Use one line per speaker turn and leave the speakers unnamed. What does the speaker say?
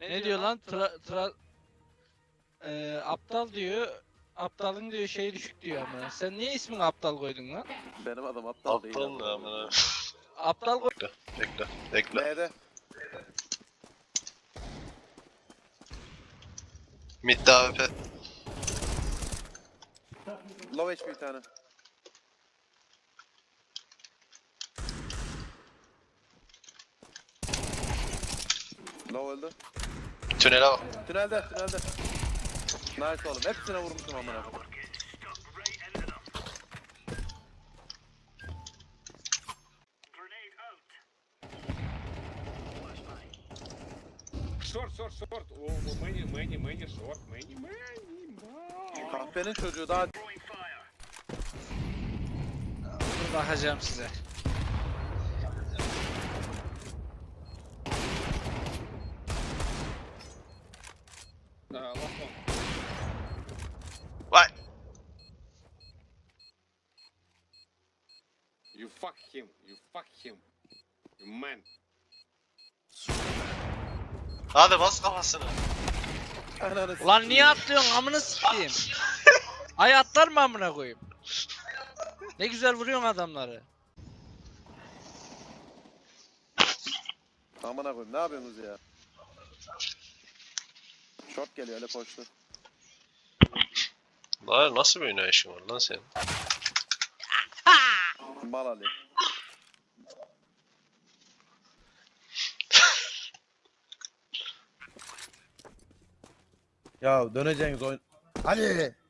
Ne diyor lan? Aptal diyor. Aptalın diyor şeyi düşük diyor ama. Sen niye ismini aptal koydun lan?
Benim adam aptal değil.
Aptal ne amına?
Aptal koy.
Bekle.
B'de.
Mid'de AWP.
Low HP bir tane. Low öldü.
Tünele bak.
Tünelde. Nice oğlum. Hepsine vurmuşum amına.
Short. Oh, many, short, many.
Kahpenin çocuğu daha
Dur bakacağım size.
Last one.
Vay.
You fuck him. You man.
Hadi bas kafasını.
ananı
Ulan niye atlıyorsun amına sikeyim? Ay atlar mı amına koyayım? Ne güzel vuruyorsun adamları.
Amına koyayım. Ne yapıyorsunuz ya? Short geliyor öyle koştu.
Lan nasıl bir oynayışın var lan senin?
Mal Ali.
Ya döneceğiniz oyun. Hadi.